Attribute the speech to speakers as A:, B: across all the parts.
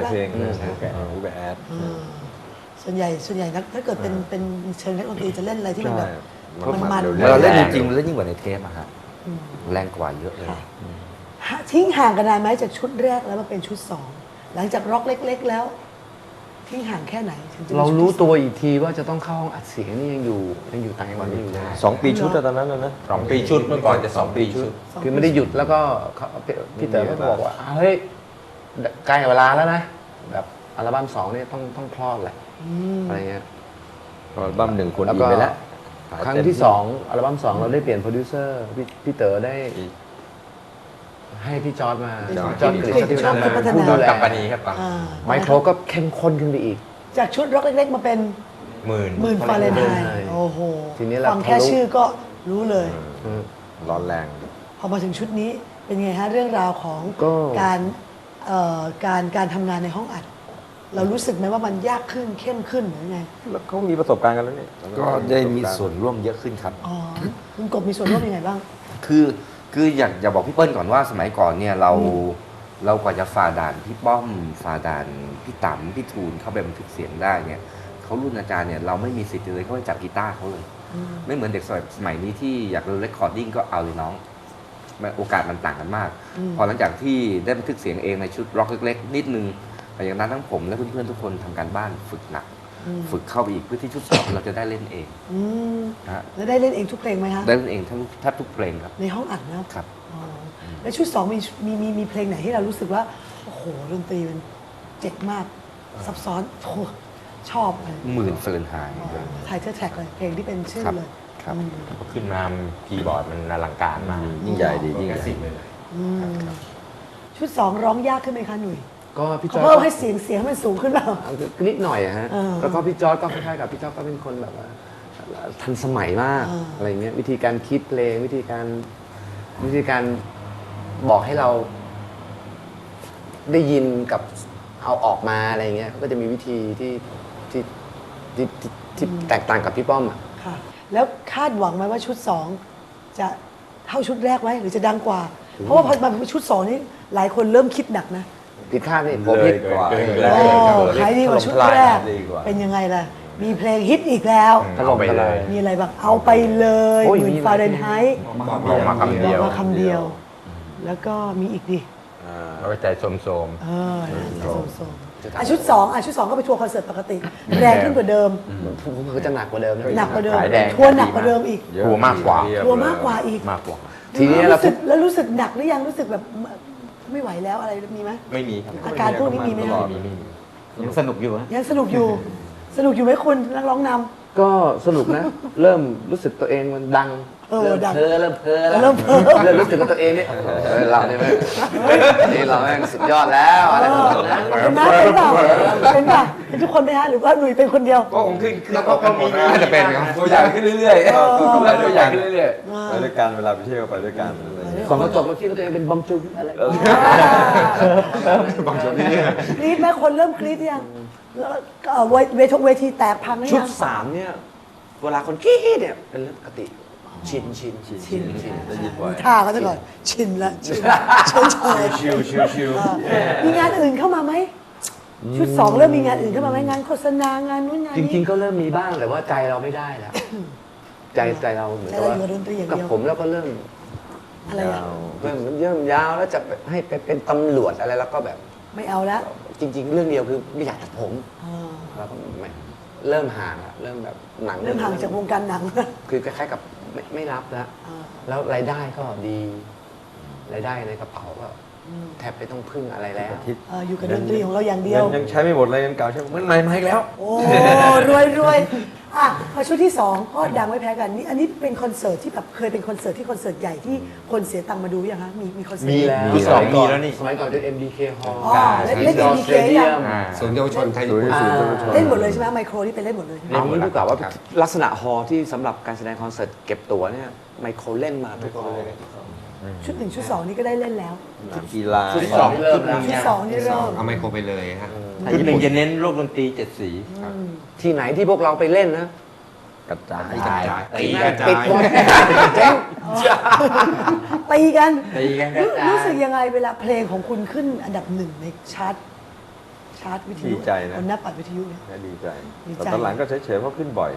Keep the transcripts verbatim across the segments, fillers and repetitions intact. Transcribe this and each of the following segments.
A: เพลง
B: ฮูแกฮูแกแอด
A: ส่วนใหญ่ส่วนใหญ่นักถ้าเกิดเป็นเป็นเชิงนักดนตรีจะเล่นอะไรที่มันแบบมันมัน
C: เราเล่นจริงๆเล่นยิ่งกว่าในเทปอะฮะแรงกว่าเยอะเลย
A: ทิ้งห่างกันนานไหมจากชุดแรกแล้วมาเป็นชุดสองหลังจากร็อกเล็ก ๆ แล้ว ทิ้งห่างแค่ไหนถึงจะ
D: เรารู้ตัวอีกทีว่าจะต้องเข้าห้องอัดเสียงนี่ยังอยู่ยังอยู่ต่างจังหวัดนี่อยู่เลย
B: สองปีชุดตอนนั้นนะ
E: สองปีชุดเมื่อก่อนจะสองปีชุด
D: คือไม่ได้หยุดแล้วก็พี่เต๋อก็บอกว่าเฮ้ยใกล้เวลาแล้วนะแบบอัลบั้มสองนี่ต้องต้องคลอดแหละอะไรเงี้ย
B: อัลบั้มหนึ่งคน
D: แล้ว
B: อี
D: ก็
B: กไปแล้ว
D: ครั้งที่สองอัลบั้มสองเราได้เปลี่ยนโปรดิวเซอร์พี่พี่เต๋อได้ให้พี่จอร์ดมาจอร์ดกฤษฎีนันท์มาผู้ดูแล
E: กัปปานีครับปัง
D: ไมโครก็เข้มข้นขึ้นไปอีก
A: จากชุดร็อกเล็ก ๆ มาเป็น
E: หมื่น
A: หมื่นฟาเรนไฮ
D: ใช่
A: ต์โอ้โห
D: ทีนี้เรา
A: ฟังแค่ชื่อก็รู้เลย
B: ร้อนแรง
A: พอมาถึงชุดนี้เป็นไงฮะเรื่องราวของ
D: ก็
A: การเอ่อการการทำงานในห้องอัด เรารู้สึกไหมว่ามันยากขึ้นเข้มขึ้นหรือไง
B: แล้วเขามีประสบการณ์กันแล้วนี่
C: ก็ได้มีส่วนร่วมเยอะขึ้นครับ
A: อ๋อคุณกบมีส่วนร่วมยังไงบ้าง
C: คือคืออยากอยากบอกพี่เปิ้ลก่อนว่าสมัยก่อนเนี่ยเราเรากว่าจะฝ่าด่านพี่ป้อมฝ่าด่านพี่ต๋ำพี่ทูลเข้าไปบันทึกเสียงได้เนี่ยเขารุ่นอาจารย์เนี่ยเราไม่มีสิทธิ์เลยเขาไปจับกีตาร์เขาเลย ไม่เหมือนเด็กสมัยนี้ที่อยากเรคคอร์ดดิ้งก็เอาเลยน้องมันโอกาสมันต่างกันมาก พอหลังจากที่ได้บันทึกเสียงเองในชุดร็อกเล็กๆนิดนึงแต่อย่างนั้นทั้งผมและเพื่อนๆทุกคนทำการบ้านฝึกหนัก ฝึกเข้าไปอีกเพื่อที่ชุดสองเราจะได้เล่นเอง
A: อืม
C: นะฮะ
A: แล้วได้เล่นเองทุกเพลงไหมฮะ
C: ได้เล่นเองทั้งแทบทุกเพลงครับ
A: ในห้องอัดนะครับ อ๋อแล้วชุดสองมีมีมีมีเพลงไหนที่เรารู้สึกว่าโอ้โหดนตรีมันเจ๋งมากซับซ้อนโอ้โหชอบเลย
C: หมื่นเฟิร์นไฮ
A: ไทเทอร์แท็กเลยเพลงที่เป็นชื่อ
C: ครับ
A: เลย
C: ครับ
A: อืม
E: ขึ้นมาคีย์บอร์ดมันอลังการมาก
B: ยิ่งใหญ่ดียิ่งใหญ่
E: สิบเลย
A: อืมชุดสองร้องยากขึ้นไหมคะหนุ่ย
D: ก็พี่จ
A: เขา
D: อร์
A: เพิ่ม
D: ด
A: ให้เสียงเสียงให้มันสูงขึ้นเปล่า
D: นิดหน่อยอะฮะ
A: เออ
D: แล้วก็พี่จอร์ดก็คล้ายๆกับพี่จอร์ดก็เป็นคนแบบว่าทันสมัยมาก
A: เอออ
D: อะไรเงี้ยวิธีการคิดเพลงวิธีการวิธีการบอกให้เราได้ยินกับเอาออกมาอะไรเงี้ยเขาก็จะมีวิธีที่ที่ที่ที่ที่แตกต่างกับพี่ป้อมอะ
A: ค่ะ แล้วคาดหวังไหมว่าชุดสองจะเท่าชุดแรกไหมหรือจะดังกว่า เพราะว่าพอมาเป็นชุดสองนี้หลายคนเริ่มคิดหนักนะ
D: ผิดคาดนี่ผม
B: เล
D: ผิ
B: ย
D: ด
B: กว่า
E: เกิน
B: เล
E: เลย
B: ย
A: โอ้
B: กว่า
A: ขายดีกว่าชุดแรก
B: ดีกว่า
A: เป็นยังไงล่ะ มีเพลงฮิตอีกแล้ว
D: ถล่มทลาย
A: มีอะไรบ้างเอาไปเลย
D: โอ้ย
A: หมื่น
D: มีหลาย
A: ฟาเรนไฮต์
E: บอกมาคำเดียว
A: บอกมาคำเดียว แล้วก็มีอีกดิ
E: เอาใจโสม
A: เออโซโซอ่ะชุดสองอ่ะชุดสองก็ไปทัวร์คอนเสิร์ตปกติ แรงขึ้นกว่าเดิม
D: ผมก็จะหนักกว่าเดิมนะ
A: หนักกว่าเดิม
E: ขายแดง
A: ทัวร์หนักกว่าเดิมอีก
B: เยอะ
E: ทัวร์มากกว่า
A: ทัวร์มากกว่าอีก
E: มากกว่า
D: ทีนี้
A: แล้ว
D: เรา
A: รู้สึกแล้วรู้สึกหนักหรือยังรู้สึกแบบไม่ไหวแล้วอะไรมีไหม
E: ไม่มีครับ
A: อาการพวกนี้มีไหม
B: ต
A: ฮะ
B: ลอด
E: มีมี
F: ยังสนุกอยู่ฮะ
A: ยังสนุกอยู่ สนุกอยู่ไหมคุณนักร้องน
D: ก็สนุกนะ เริ่มรู้สึกตัวเองมันดัง
A: เออดัง
D: เพ้อเริ่มเพ้อแล้ว
A: เริ่มเพ้อ
D: เริ่มรู้สึกว่าตัวเองเนี่ยเออเราเนี่ยแม่งนี่เราแม่งสุดยอดแล้วอะไรแบบนั้น
A: ำเป็นไหมเป็นเปล่าเป็นเปล่าเป็นทุกคนไหมฮะหรือว่าหนุ่ยเป็นคนเดียว
E: ก็คงขึ้นแล้วก็มีน่าจะเป็นครับ
B: ตัวอย่างขึ้นเรื่อยๆ
E: ตัวอย่างขึ้นเรื่อย
B: ไปด้วยกันเวลาไปเที่ยวไปด้วยกันอะไรอย่างเงี้ย
D: สองกระจกเราคิดว่าตัวเองเป็นบอมจุ๊บอะไร
E: บางช่วงนี้
A: กรี๊ดไหมคนเริ่มกรี๊ดยังแล้วก็เวทเวทเวทีแตกพังหรือ
F: ชุ
A: ยั
F: ด
A: ง
F: สามเนี่ย เวลาคนกรี๊ดเนี่ย เป็นเรื่องปกติ ชินชินชิน
A: ชิน
F: ชิน
B: ได้ยินบ่อย
A: ท่าเขาจะก่อนชินละชินเฉยเฉย
E: ชิวชิวชิว
A: มีงานอื่นเข้ามาไหมชุดสองเริ่มมีงานอื่นเข้ามาไหมงานโฆษณางานนู้นงาน
D: จ
A: นี้
D: ริงๆก็เริ่มมีบ้างแต่ว่าใจเราไม่ได้แล้ว ใจใจเราเหมือน
A: ใจ
D: กับ
A: เรา
D: ว่า
A: อยู่กับดนตรีอย่าง
D: กับ
A: เดียว
D: ผมแล้วก็เริ่ม
A: อะไรอ่ะ
D: เริ่มเริ่มยาวแล้วจะให้ไปเป็นตำรวจอะไรแล้วก็แบบ
A: ไม่เอาแล้ว
D: จริง ๆ เรื่องเดียวคือไม่อยากตัดผม
A: อ่า
D: แล้วก็ไม่เริ่มห่างละเริ่มแบบหนัง
A: เริ่มห่างจากวงการหนัง
D: คือคล้ายๆกับไม่ไม่รับแล้ว
A: อ่า
D: แล้วรายได้ก็ดีรายได้ในกระเป๋าก็แทบไม่ต้องพึ่งอะไรแล้ว
A: เอ่ออยู่กับดนตรีของเราอย่างเดียว
B: เงินยังใช้ไม่หมดเลยเงินเก่าใช้มันใหม่มาอีกแล้ว
A: โอ้รวยรวยอ่ะพอชุดที่สองก็ดังไม่แพ้กันนี่อันนี้เป็นคอนเสิร์ตที่แบบเคยเป็นคอนเสิร์ตที่คอนเสิร์ตใหญ่ที่คนเสียตังค์มาดูยังคะมีมีคอนเสิร์ต
D: มีแล้ว
E: มีสองมีแล้วนี่
D: สมัยก่อนเป็น เอ็ม ดี เค Hall
A: อ๋อเล่นเล่น
D: Indoor
A: MDK ยัง
D: Stadium
E: ศูนย์เยาวชนไทยญี่ปุ่น
A: อ่าเล่นหมดเลยใช่ไหมไมโครที่เป็นเล่นหมดเลย
F: เอางี้ดีกว่าว่าลักษณะฮอลล์ที่สำหรับการแสดงคอนเสิร์ตเก็บตั๋วเนี่ยไมโครเล่นมาทุกฮอลล์
A: ชุดหนึ่งชุดสองนี่ก็ได้เล่นแล้ว
B: กีฬา
D: ชุดสองเริ่มแล้ว
A: ชุดสองนี่เริ่ม
E: เอาไมโครไปเลยฮะ
F: ชุดหนึ่งจะเน้นโลกดนตรีเจ็ดสี
D: ที่ไหนที่พวกเราไปเล่นนะ
B: กระจาย
E: กระจายตี
D: แม่
E: ก
D: ง
E: ระจา
D: ปิดหมด
E: ย
D: เจ๊ง
A: ตีกัน
E: ตีกัน
A: รู้รู้สึกยังไงเวลาเพลงของคุณขึ้นอันดับหนึ่งในชาร์ตชาร์จวิทยุ
B: ดีใจนะ
A: บนหน้าปัดวิทยุเนี่ย
B: น่าดีใจ
A: ดีใจ
B: แต่ตอนหลังก็เฉยๆเพราะขึ้นบ่อย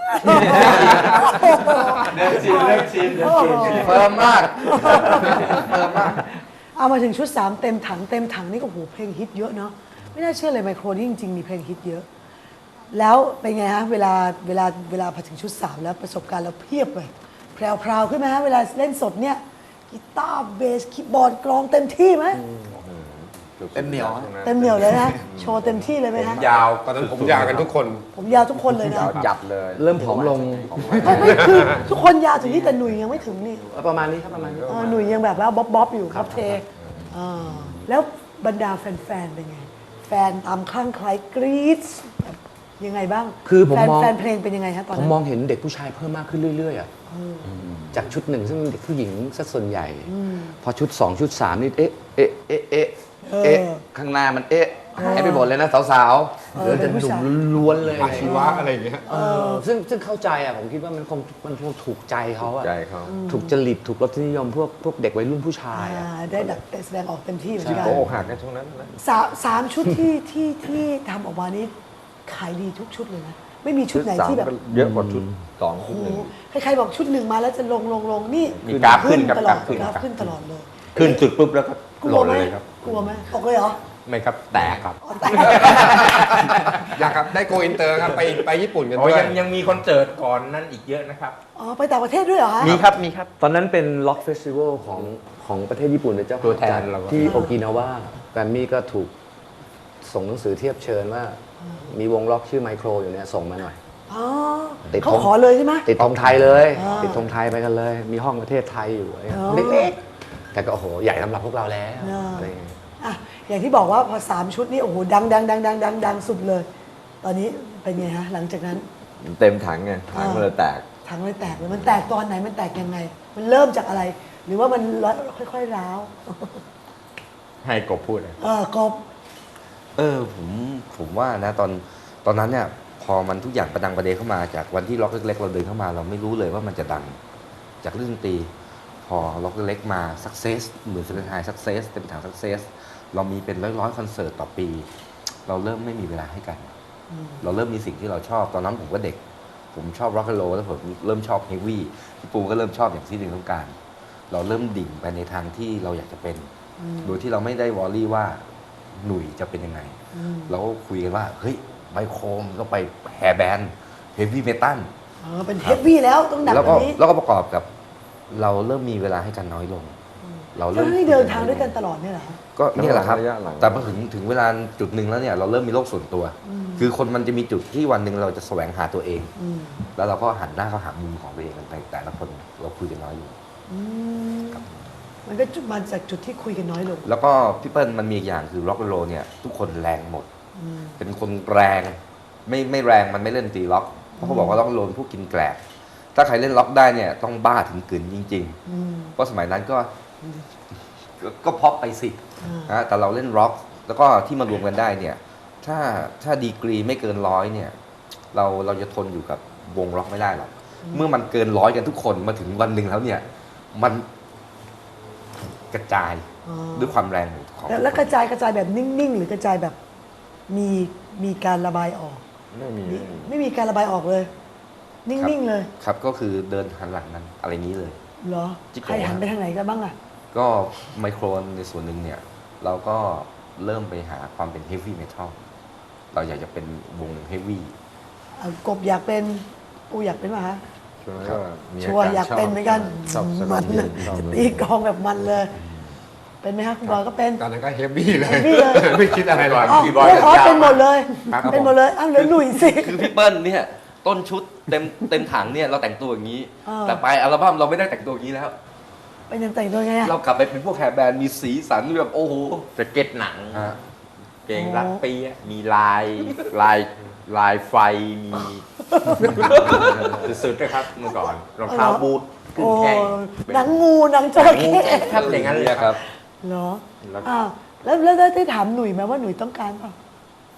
A: เดินชินเดินชิน
C: เฟิร์มมากเฟิร์มมาก
A: เอามาถึงชุดสามเต็มถังเต็มถังนี่ก็โหเพลงฮิตเยอะเนาะไม่น่าเชื่อเลยไมโครนี่จริงๆมีเพลงฮิตเยอะ แล้วเป็นไงฮะเวลาเวลาเวลาพอถึงชุดสามแล้วประสบการณ์เราเพียบเลยแพรวๆขึ้นไหมฮะเวลาเล่นสดเนี่ยกีตาร์เบสคีย์บอร์ดกลองเต็มที่ไหม
C: เต็มเหนียว
A: เต็มเหนียวเลยนะโชว์เต็มที่เลยไหมฮะ
E: ยาวตอนนั้นผมยาวกันทุกคน
A: ผมยาวทุกคนเลยนะ
B: จับเลย
D: เริ่มผอมลง
A: ไม่ไม่คือทุกคนยาวถึงนี่แต่หนุ่ยยังไม่ถึงนี่
D: ประมาณนี้ครับประมาณนี้
A: เออหนุ่ยยังแบบว่าบ๊อบบ๊อบอยู่ครับเทอ่าแล้วบรรดาแฟนๆเป็นไง แฟนตามคลั่งไคล้กรี๊ดแบบยังไงบ้าง
D: คือผม
A: แฟน
D: มอง
A: แฟนเพลงเป็นยังไงฮะตอน
D: ผม
A: นั้น
D: มองเห็นเด็กผู้ชายเพิ่มมากขึ้นเรื่อยๆอ่ะจากชุดหนึ่งซึ่งเป็นเด็กผู้หญิงซะส่วนใหญ่ พอชุดสองชุดสามนี่เอ๊ะเอ๊ะเอ๊ะเอ๊ะเอ๊ะข้างหน้ามันเอ๊ะหายไปหมดเลยนะสาวๆเหลือแต่หนุ่มล้วนๆเลย
E: อาชีวะอะไรอย่างเงี้ย
D: เออซึ่งซึ่งเข้าใจอ่ะผมคิดว่ามันคงมันคงถูกใจเขาอ่ะ
B: ใจเขา
D: ถูกจริตถูกรสนิยมพวกพวกเด็กวัยรุ่นผู้ชายอ่ะ
A: อ่าได้ดักแสดงออกเต็มที่เหมือนกัน
B: โอ้หักกันช่วงนั้นนะ
A: สามสามชุดที่ที่ที่ทำออกมานี้ขายดีทุกชุดเลยนะ ไม่มีชุดไหน
B: สาม
A: ที่แบบ
B: ก็เยอะกว่าชุดสอง
A: โอ้
B: ชุด
A: โห
B: หนึ่ง
A: ใครๆบอกชุดหนึ่งมาแล้วจะลงลงลงนี่
E: มีกราฟขึ้นครับ
A: ตลอด
E: กราฟขึ้น
A: กราฟขึ้นตลอดเลย
E: ขึ้นจุดปุ๊บแล้วก็
A: กลั
E: โหล
A: ว
E: ด
A: ไหม
E: เลยครับ
A: กลัวไหมตกเลยเหรอ
E: ไม่ครับแตกครับ
A: อ๋อแต่
E: อยากครับได้โกอินเตอร์ครับไปไปญี่ปุ่นกัน
G: โอ้
E: ด้วย
G: ยังยังมีคอนเสิร์ตก่อนนั้นอีกเยอะนะครับ
A: อ๋อไปต่างประเทศด้วยเหรอฮะ
G: มีครับ มีครับ
D: ตอนนั้นเป็นล็อกเฟสติวัลของของประเทศญี่ปุ่นเป็นเจ้า
E: ตัวแทน
D: จัด
E: เราก็
D: ที่โอกินาวาแกรมมี่ก็ถูกส่งหนังสือเทียบเชิญว่า มีวงล็อกชื่อไมโครอยู่เนี่ยส่งมาหน่อย
A: อ๋อ
D: ติด
A: เขา
D: ธง
A: ขอเลยใช่ไหม
D: ติดธงไทยเลย
A: อ่า
D: ติดธงไทยไปกันเลย มีห้องประเทศไทยอยู่อะไรเงี้ย
A: อ๋อ
D: เล็กๆ แต่ก็โอ้โห ใหญ่สำหรับพวกเราแล้ว
A: อ่า
D: อะไรเงี้ย
A: อ่ะอย่างที่บอกว่าพอสามชุดนี้โอ้โหดังดังดังดังดังดังสุดเลย ตอนนี้เป็นไงฮะหลังจากนั้น
B: เต็มถังไงถังมันเลยแตก
A: ถังเลยแตกเลยมันแตกตอนไหนมันแตกยังไง มันเริ่มจากอะไร หรือว่ามันค่อยๆร้าว
G: ให้กบพูดเลย
A: เออกบ
C: เออผมผมว่านะตอนตอนนั้นเนี่ยพอมันทุกอย่างประดังประเดเข้ามาจากวันที่ล็อกเล็กๆเราเดินเข้ามา เราไม่รู้เลยว่ามันจะดังจากเรื่องดนตรีพอล็อกเล็กๆมา success เหมือนเซนไฮ success เต็มถัง success เรามีเป็นร้อยๆคอนเสิร์ตต่อปี เราเริ่มไม่มีเวลาให้กัน เราเริ่มมีสิ่งที่เราชอบตอนนั้นผมก็เด็ก ผมชอบร็อก n d โ o แล้วผมเริ่มชอบเฮฟวี่พี่ปูก็เริ่มชอบอย่างที่หนึ่งต้องการ เราเริ่มดิ่งไปในทางที่เราอยากจะเป็น โดยที่เราไม่ได้วอรี่ว่าหนุ่ยจะเป็นยังไง เราก็คุยกันว่า เฮ้ยไมโครมนก็ไปแฮร์แบนด์เฮฟวี่เมตัล
A: เออเป็นเฮฟวี่แล้วต้องหนัก
C: แล้ว
A: ก
C: ก็
A: ว่านี้
C: แล้วก็ประกอบกับ เราเริ่มมีเวลาให้กันน้อยลง เรา
A: แล้
C: เริ่
A: ว
C: ม
A: นี่เดินทางด้วยกันตลอดเนี่ยเหรอฮะ
C: ก็เนี่ยแหละครับ
B: ระยะหลัง
C: แต่พอถึงถึงเวลาจุดหนึ่งแล้วเนี่ยเราเริ่มมีโลกส่วนตัว คือคนมันจะมีจุดที่วันหนึ่งเราจะแสวงหาตัวเอง
A: อืม
C: แล้วเราก็หันหน้าเข้าหามุมของตัวเองกันไปแต่ละคนเราคุยกันน้อยอยู่
A: อืมมันก็มาจากจุดที่คุยกันน้อยลง
C: แล้วก็พี่เปิ้ลมันมีอีกอย่างคือร็อก n d โ o เนี่ยทุกคนแรงหมด เป็นคนแรงไม่ไม่แรงมันไม่เล่นตีล็อก เพราะเขาบอกว่าล็อก n d โ o พวกกินแกลบถ้าใครเล่นล็อกได้เนี่ยต้องบ้าถึงกึ่นจริง
A: อืม
C: ๆ เพราะสมัยนั้นก็ก็ก็พ็อปไปสินะแต่เราเล่นร็อก แล้วก็ที่มารวมกันได้เนี่ย ถ้าถ้าดีกรีไม่เกินร้อยเนี่ย เราเราจะทนอยู่กับวงร็อกไม่ได้หรอกเมื่อมันเกินร้อยกันทุกคนมาถึงวันหนึ่งแล้วเนี่ย มันกระจาย
A: อ๋อ
C: ด้วยความแรงของ
A: แล้วแล้วกระจายกระจายแบบนิ่งๆ หรือกระจายแบบมีมีการระบายออก
B: ไม่มี
A: มีไม่มีการระบายออกเลย นิ่งๆเลย
C: ครับก็คือเดินหันหลังนั้นอะไรนี้เลย
A: เหรอ
C: จิ๊กโกะ
A: ใครหันไปทางไหนกันบ้างอ่ะ
C: ก็ไมโครในส่วนหนึ่งเนี่ย เราก็เริ่มไปหาความเป็นเฮฟวี่เมทัลเราอยากจะเป็นวงเฮฟวี่
A: อ่ะกบอยากเป็นปูอยากเป็นป่ะฮะ
B: ช่วงนั้นก็มี
A: ชัวร์
B: ร
A: อยากเป็นเหมือนกัน
B: ชอบส
A: มั
B: นาน ม
A: เล
B: เย็
A: ย
B: นชอบ
A: ตีกลองแบบมันเลย เป็นไหมฮะคุณบอยก็เป็น
E: ตอนนั้นก็เฮฟวี่เลย
A: เฮฟวี่เลย
E: ไม่คิดอะไรหรอก
A: อ๋อ
G: พี่บอย
A: อ๋อ
G: จะยาว
A: เป็นหมดเลย
E: ครับ
A: เป็นหมดเลยอ้าวเหลือหนุ่ยสิ
C: คือพี่เปิ้ลเนี่ย ต้นชุดเต็มเต็มถังเนี่ยเราแต่งตัวอย่างนี้
A: เออ
C: แต่ไปอัลบั้มเราไม่ได้แต่งตัวอย่างนี้แล้ว
A: เป็นยังแต่งตัวไงอะ
C: เรากลับไปเป็นพวกแฮร์แบนด์มีสีสันแบบโอ้โห
G: สเก็ตหนัง
C: ฮะ
G: เกงรัดเปียะมีลายลายลายไฟมี สุดๆนะครับเมื่อก่อนรองเท้าบูทขึ้น
A: โอ้
G: แข้ง
A: หนังงูหนังจระเข้
G: ครับอย่างนั้นเลยครับ
A: เหรอ
G: แล้ว
A: อ้าวแล้วแล้วได้ได้ถามหนุ่ยไหมว่าหนุ่ยต้องการเปล่า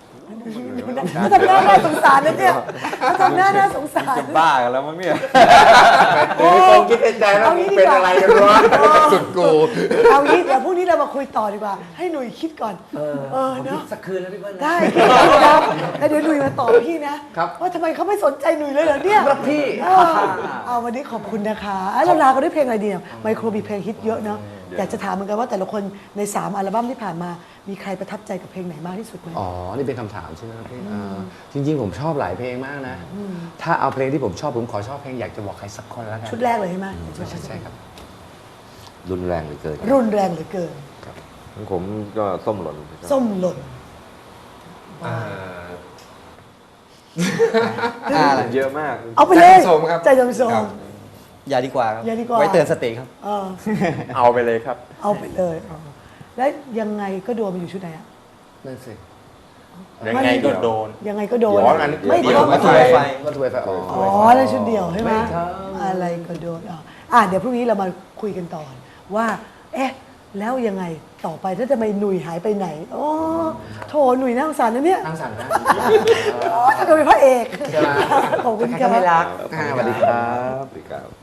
A: เขาทำหน้าน่าสงสารนะเนี่ยเขาทำหน้าน่าสงสาร
B: จะบ้ากันแล้วมั้งเนี่ย
A: โอ้
C: คงคิดในใจแล้ว
A: เอางี้ดี
C: เป็น
A: กว่า
C: อะไรกันวะ
E: สุดกู
A: เอางี้เดี๋ยวพรุ่งนี้เรามาคุยต่อดีกว่า ให้หนุ่ยคิดก่อน เออเนาะ
D: สักคืนแล้วพี่เปิ้ลนะ
A: ได้คิดก่อนนะแล้วเดี๋ยวหนุ่ยมาตอบพี่นะครับ ว่าทำไมเขาไม่สนใจหนุ่ยเลยเหรอเนี่ย
D: ครับพี่
A: เออเอาวันนี้ขอบคุณนะคะอ่ะเราลากันด้วยเพลงอะไรดีเนี่ยไมโครมีเพลงฮิตเยอะเนาะอยากจะถามเหมือนกันว่าแต่ละคนในสามอัลบั้มที่ผ่านมามีใครประทับใจกับเพลงไหนมากที่สุดไหม
D: อ๋อ นี่เป็นคำถามใช่ไหมครับพี่เอ่อจริง ๆ ผมชอบหลายเพลงมากนะ ถ้าเอาเพลงที่ผมชอบผมขอชอบเพลงอยากจะบอกใครสักคนแล้วกัน
A: ชุดแรกเลยใช่ไหม
D: ใช่ใช่ใช่ครับ
C: รุนแรงเหลือเกิน
A: รุนแรงเหลือเกิน
B: ของผมก็ส้มหล่น
A: ส้มหล่น
E: อ่า
B: อ่าเยอะมาก
A: เอาไปเลย
E: ใจจำโสมครับ
A: ใจจำโส
E: ครั
A: ม
E: บ
H: อย่าดีกว่าครับ
A: อย่าดีกว่า
H: ไว้เตือนสติครับ
A: เออ
G: เอาไปเลยครับ
A: เอาไปเลยเออแล้วยังไงก็โดนมันอยู่ชุดไหนอะ
D: นั่นสิ
G: ยังไงก็โดน
A: ยังไงก็โดน
C: อ๋องั้น
A: ไม่
C: เดี๋ยว
A: ต้อง
C: มา
A: มา
C: ถ่าย
A: ไฟ
D: ก็ถวยไฟอ๋อ
A: อ๋อแล้วชุดเดียวใช่ไหม
D: ไม่ท
A: อะไรก็โดนอ่ะอ่ะเดี๋ยวพรุ่งนี้เรามาคุยกันต่อว่า เอ๊ะ แล้วยังไงต่อไปถ้าจะไม่หนุ่ยหายไปไหนอ๋อโถหนุ่ยน่าสงสารนะเนี่ย
D: นั่งสั่นนะ
A: อ๋อถ้าเกิดเป็นพระเอก
D: ใช่ไหม
A: ขอบคุณ
D: ใคร
A: ครั
D: ก็ไม่
A: บ
D: รักอ่าสวัสดีครับ
B: สวัสดีครับ